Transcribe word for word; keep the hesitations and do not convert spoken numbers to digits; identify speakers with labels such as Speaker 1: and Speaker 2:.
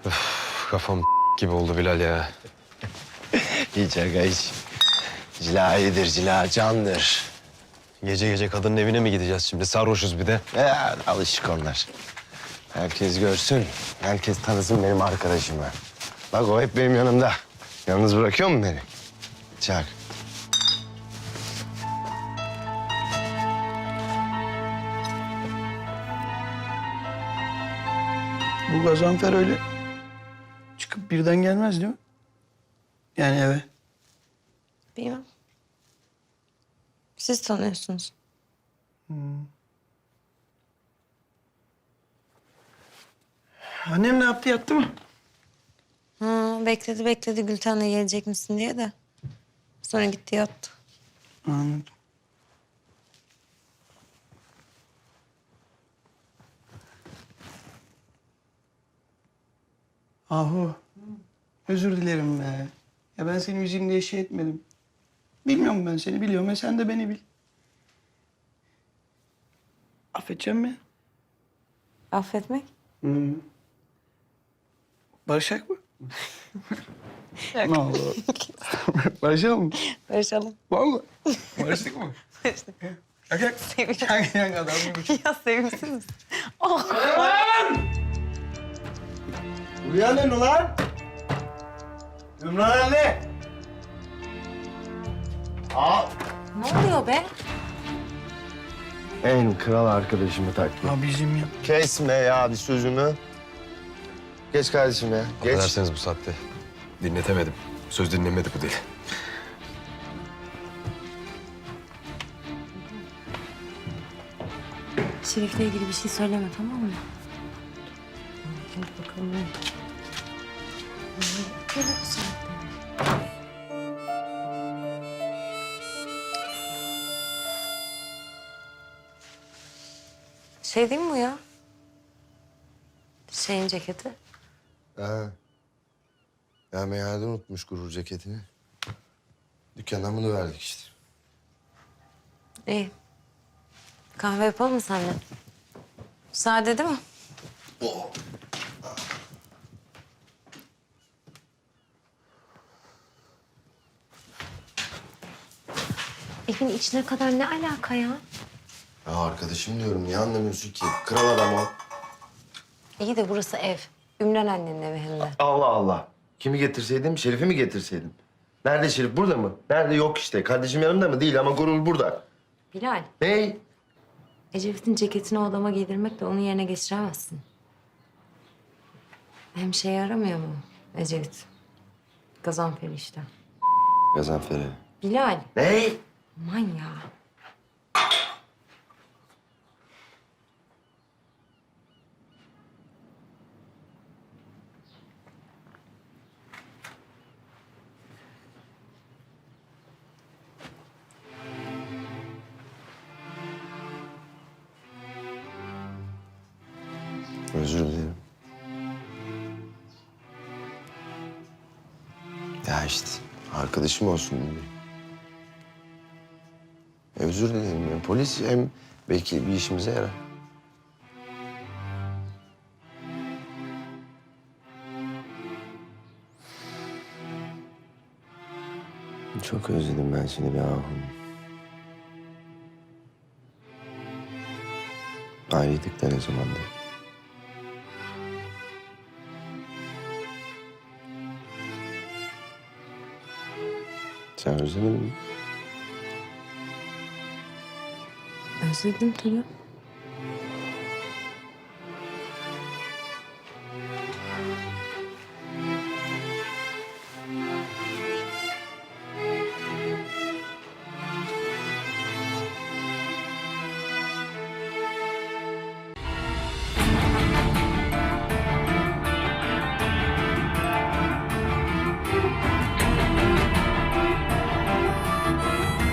Speaker 1: Kafam gibi oldu Bilal ya.
Speaker 2: Hiç aga hiç. Cila iyidir, cila candır.
Speaker 1: Gece gece kadının evine mi gideceğiz şimdi? Sarhoşuz bir de.
Speaker 2: Ya, alışık onlar. Herkes görsün, herkes tanısın benim arkadaşımı. Bak o hep benim yanımda. Yalnız bırakıyor mu beni? Çak.
Speaker 3: Bu Gazanfer öyle çıkıp birden gelmez değil mi? Yani eve.
Speaker 4: Bilmem. Siz tanıyorsunuz.
Speaker 3: Annem ne yaptı, yattı mı?
Speaker 4: Ha, bekledi bekledi Gülten'le gelecek misin diye de. Sonra gitti yattı.
Speaker 3: Anladım. Ahu, özür dilerim be. Ya ben seni üzeyim diye şey etmedim. Bilmiyorum, ben seni biliyorum ya sen de beni bil. Affedeceğim mi?
Speaker 4: Affetmek?
Speaker 3: Hı. Barışak mı? Ne oldu? Barışalım mı?
Speaker 4: Barışalım.
Speaker 3: Vallahi. Barıştık mı?
Speaker 4: Barıştık.
Speaker 3: Yak yak.
Speaker 4: Sevindim.
Speaker 3: Yak yak adam gibi.
Speaker 4: Ya sevimsiniz. Oh.
Speaker 2: Uyanın ulan! Ümran anne! Aa!
Speaker 4: Ne oluyor be?
Speaker 2: En kral arkadaşımı taktım.
Speaker 3: Abicim ya.
Speaker 2: Kesme ya bir sözümü. Geç kardeşim ya, geç.
Speaker 1: Affedersiniz bu saatte. Dinletemedim. Söz dinlemedi bu değil.
Speaker 4: Şerif'le ilgili bir şey söyleme, tamam mı? Gel bakalım. Gel bu saatte. Şey değil mi bu ya? Şeyin ceketi.
Speaker 2: Ha. Ya meyhanede unutmuş gurur ceketini. Dükkandan bunu verdik işte.
Speaker 4: İyi. Kahve yapalım mı seninle? Sade değil mi? Evin içine kadar ne alaka ya?
Speaker 2: Ya arkadaşım diyorum, niye anlamıyorsun ki? Kral adam o.
Speaker 4: İyi de burası ev. Ümran annenin evi hem de.
Speaker 2: Allah Allah. Kimi getirseydim, Şerif'i mi getirseydim? Nerede Şerif? Burada mı? Nerede? Yok işte. Kardeşim yanımda mı? Değil ama Gurur burada.
Speaker 4: Bilal,
Speaker 2: Ney?
Speaker 4: Ecevit'in ceketini o adama giydirmekle onun yerine geçiremezsin. Hem şey yaramıyor mu Ecevit? Gazanfer işte.
Speaker 2: Gazanfer'e.
Speaker 4: Bilal,
Speaker 2: Ney?
Speaker 4: aman ya.
Speaker 2: Özür dilerim. Ya işte arkadaşım olsun dedi. Özür dilerim. Ya. Polis hem belki bir işimize yarar. Çok özledim ben seni be ahum. Ayrıydık da ne zamandır. Sen özlemedin mi?
Speaker 4: Özledim tabii.